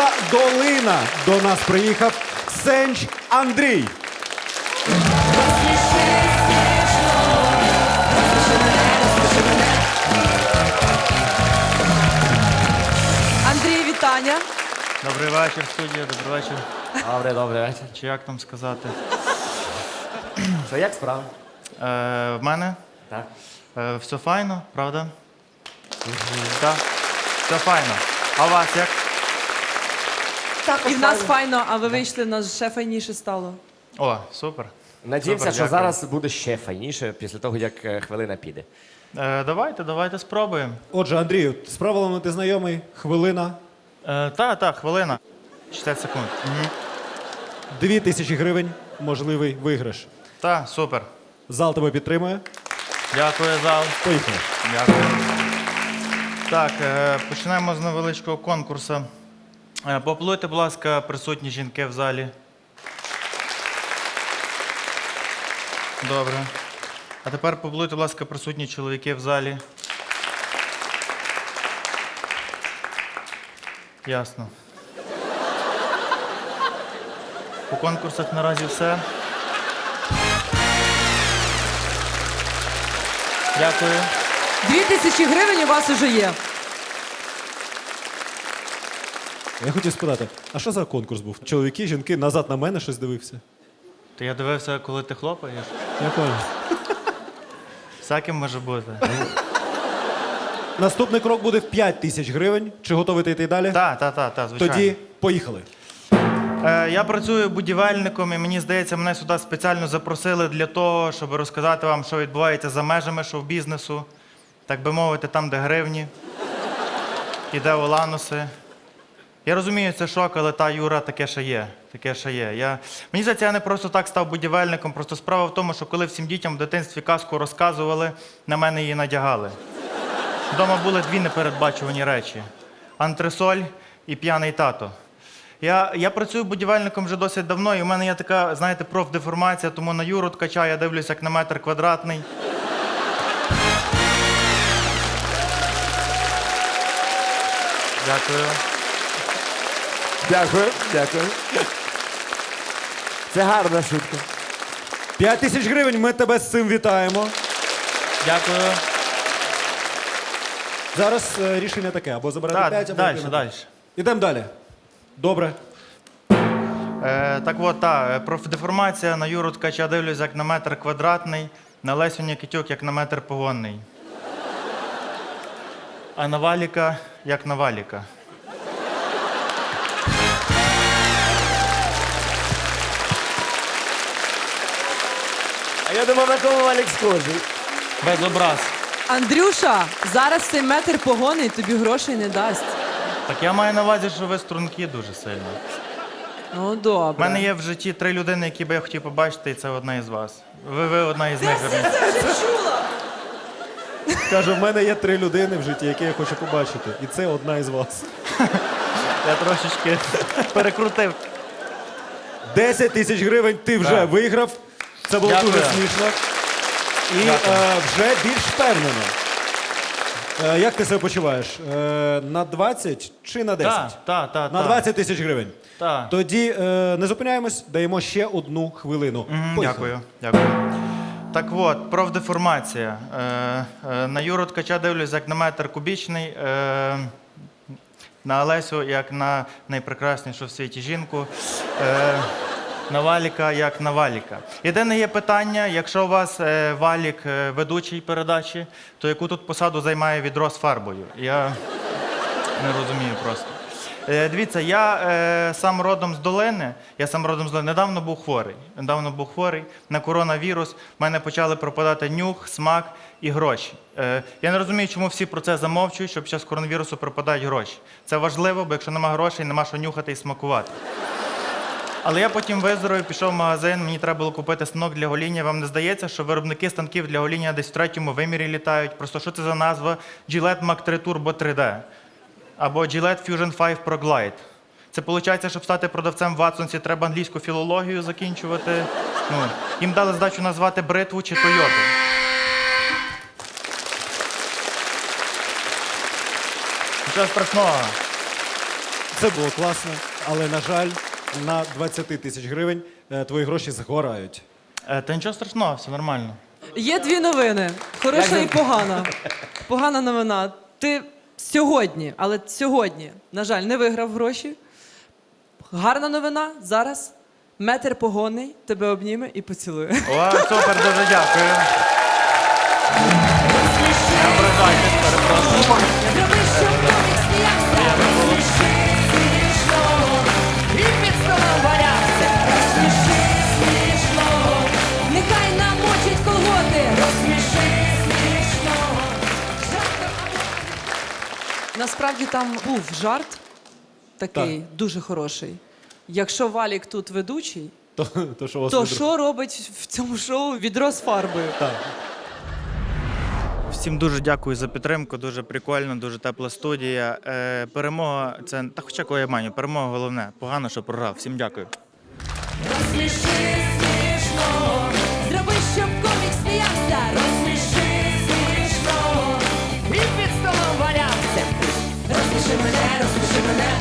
міста Долина до нас приїхав Сенч Андрій. Андрій, вітання. Добрий вечір, студія, добрий вечір. Добрий вечір. Чи як там сказати? Що, як справа? В мене Так. все файно, правда? Так, все файно. А у вас як? І в нас файно, а ви вийшли, в нас ще файніше стало. О, супер. Надіємося, Супер, що дякую. зараз буде ще файніше після того, як хвилина піде. Давайте спробуємо. Отже, Андрію, з правилами ти знайомий. Хвилина. Так, хвилина. 60 секунд. 2000 гривень. Можливий виграш. Так, супер. Зал тебе підтримує. Дякую, зал. Поїхали. Дякую. Так, починаємо з невеличкого конкурсу. Поаплодуйте, будь ласка, присутні жінки в залі. Добре. А тепер поаплодуйте, будь ласка, присутні чоловіки в залі. Ясно. По конкурсах наразі все. Дякую. 2000 гривень у вас уже є. Я хотів спитати, а що за конкурс був? Чоловіки, жінки, назад на мене щось дивився. То я дивився, коли ти хлопаєш. Я понял. Всяким може бути. Наступний крок буде в 5000 гривень. Чи готовий ти йти далі? Так, звичайно. Тоді поїхали. Я працюю будівельником, і мені здається, мене сюди спеціально запросили для того, щоб розказати вам, що відбувається за межами шоу-бізнесу. Так би мовити, там, де гривні, і де олануси. Я розумію, це шок, але та Юра, таке ще є. Мені здається, я не просто так став будівельником, просто справа в тому, що коли всім дітям в дитинстві казку розказували, на мене її надягали. Вдома були дві непередбачувані речі: антресоль і п'яний тато. Я працюю будівельником вже досить давно, і в мене є така, знаєте, профдеформація, тому на Юру ткача я дивлюся як на метр квадратний. Дякую. Дякую. Це гарна шутка. 5000 гривень, ми тебе з цим вітаємо. Дякую. Зараз рішення таке, або забирати 5, або йти на Далі. Ідемо далі. Добре. Так от, профдеформація на Юру ткача дивлюсь як на метр квадратний, на Лесю Нікітюк як на метр погонний. А на Валіка як на Валіка. А я думав, на кому Валік схожий. Без образ. Андрюша, зараз цей метр погони тобі грошей не дасть. Так я маю на увазі, що ви струнки дуже сильно. Ну, У добре. мене є в житті 3 людини, які би я хотів побачити, і це одна із вас. Ви одна із них. Каже, в мене є 3 людини в житті, які я хочу побачити. І це одна із вас. Я трошечки перекрутив. 10 тисяч гривень ти вже Так. виграв. Це було Дякую. дуже смішно. І Дякую. вже більш впевнено. Як ти себе почуваєш? На 20 чи на 10? Так. На 20 тисяч гривень. Так. Тоді не зупиняємось, даємо ще 1 хвилину. Поїхали. Дякую. Так от, профдеформація. На Юру ткача дивлюсь як на метр кубічний, на Олесю як на найпрекраснішу в світі жінку, на Валіка як на Валіка. Єдине є питання, якщо у вас Валік ведучий передачі, то яку тут посаду займає відро з фарбою? Я не розумію просто. Дивіться, я сам родом з Долини. Недавно був хворий на коронавірус. В мене почали пропадати нюх, смак і гроші. Я не розумію, чому всі про це замовчують, що під час коронавірусу пропадають гроші. Це важливо, бо якщо нема грошей, нема що нюхати і смакувати. Але я потім виздоровів, пішов в магазин, мені треба було купити станок для гоління. Вам не здається, що виробники станків для гоління десь в 3-му вимірі літають? Просто що це за назва? Gillette Mac 3 Turbo 3D. Або Gillette Fusion 5 Pro Glide. Це виходить, щоб стати продавцем в Ватсонсі, треба англійську філологію закінчувати. Їм дали задачу назвати бритву чи Тойоту. Нічого страшного. Це було класно, але, на жаль, на 20 тисяч гривень твої гроші згорають. Та нічого страшного, все нормально. Є дві новини: хороша і погана. Погана новина. Ти сьогодні, але сьогодні, на жаль, не виграв гроші. Гарна новина зараз. Метр погонний тебе обніме і поцілує. О, супер, дуже дякую. Не ображайтесь, перепрошую. Зроби, щоб комік сміявся. Розсміши смішного. І під столом валявся. Розсміши смішного. Нехай намочить колготи. Розсміши смішного. Насправді там був жарт такий дуже хороший. Якщо Валік тут ведучий, То що у вас то відро- що робить в цьому шоу відро з фарбою? Так. Всім дуже дякую за підтримку, дуже прикольно, дуже тепла студія. Перемога це та хоча кого я маю, перемога головне. Погано, що програв. Всім дякую. Розсміши смішного. Зроби, щоб